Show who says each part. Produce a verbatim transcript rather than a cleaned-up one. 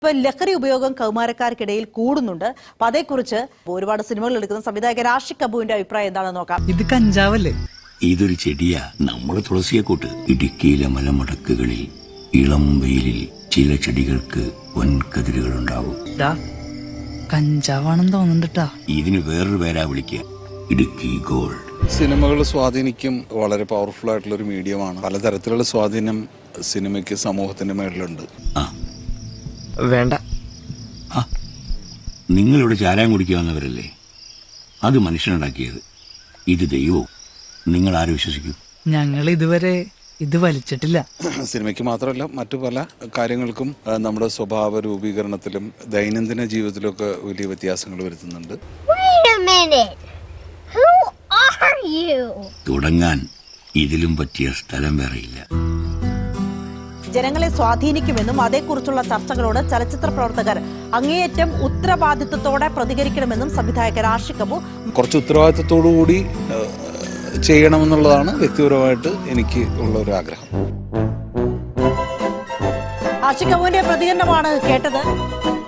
Speaker 1: ഇപ്പൊ ലഹരി ഉപയോഗം കൗമാരക്കാർക്കിടയിൽ കൂടുന്നുണ്ട്. അപ്പൊ അതേക്കുറിച്ച് ഒരുപാട് സിനിമകൾ എടുക്കുന്ന സംവിധായകൻ ആഷിഖ് അബുവിന്റെ അഭിപ്രായം എന്താണെന്ന് നോക്കാം.
Speaker 2: ഇത് കഞ്ചാവല്ലേ?
Speaker 3: ഇതൊരു ചെടിയാ. നമ്മള് തുളസിയെ കൂട്ട്. ഇടുക്കിയിലെ മലമടക്കുകളിൽ ഇളം വെയിലിൽ ചില ചെടികൾക്ക് വൻകതിരുകൾ ഉണ്ടാവും.
Speaker 2: കഞ്ചാവാണെന്ന് തോന്നുന്നുണ്ടാ.
Speaker 3: ഇതിന് വേറൊരു പേരാ വിളിക്കുക, ഇടുക്കി ഗോൾഡ്.
Speaker 4: സിനിമകൾ സ്വാധീനിക്കും. വളരെ പവർഫുൾ ആയിട്ടുള്ള ഒരു മീഡിയമാണ്. പലതരത്തിലുള്ള സ്വാധീനം സിനിമയ്ക്ക് സമൂഹത്തിന്റെ മേളിലുണ്ട്.
Speaker 3: ആ
Speaker 2: വേണ്ട.
Speaker 3: ആ നിങ്ങളിവിടെ ചാരായം കുടിക്കുക വന്നവരല്ലേ? അത് മനുഷ്യനുണ്ടാക്കിയത്. ഇത് ദൈവവും. നിങ്ങൾ ആര് വിശ്വസിക്കും?
Speaker 2: ഞങ്ങൾ ഇതുവരെ ഇത് വലിച്ചിട്ടില്ല.
Speaker 4: സിനിമയ്ക്ക് മാത്രമല്ല, മറ്റു പല കാര്യങ്ങൾക്കും നമ്മുടെ സ്വഭാവ രൂപീകരണത്തിലും ദൈനംദിന ജീവിതത്തിലൊക്കെ വലിയ വ്യത്യാസങ്ങൾ വരുത്തുന്നുണ്ട്.
Speaker 3: തുടങ്ങാൻ ഇതിലും പറ്റിയ സ്ഥലം വേറെയില്ല.
Speaker 1: ജനങ്ങളെ സ്വാധീനിക്കുമെന്നും അതേക്കുറിച്ചുള്ള ചർച്ചകളോട് ചലച്ചിത്ര പ്രവർത്തകർ അങ്ങേയറ്റം ഉത്തരവാദിത്വത്തോടെ പ്രതികരിക്കണമെന്നും സംവിധായകൻ ആഷിഖ് അബു
Speaker 4: കുറച്ച് ഉത്തരവാദിത്വത്തോടു കൂടി ചെയ്യണമെന്നുള്ളതാണ് വ്യക്തിപരമായിട്ട് എനിക്ക് ഉള്ള ഒരു ആഗ്രഹം.
Speaker 1: ആഷിഖ് അബുവിന്റെ പ്രതികരണമാണ് കേട്ടത്.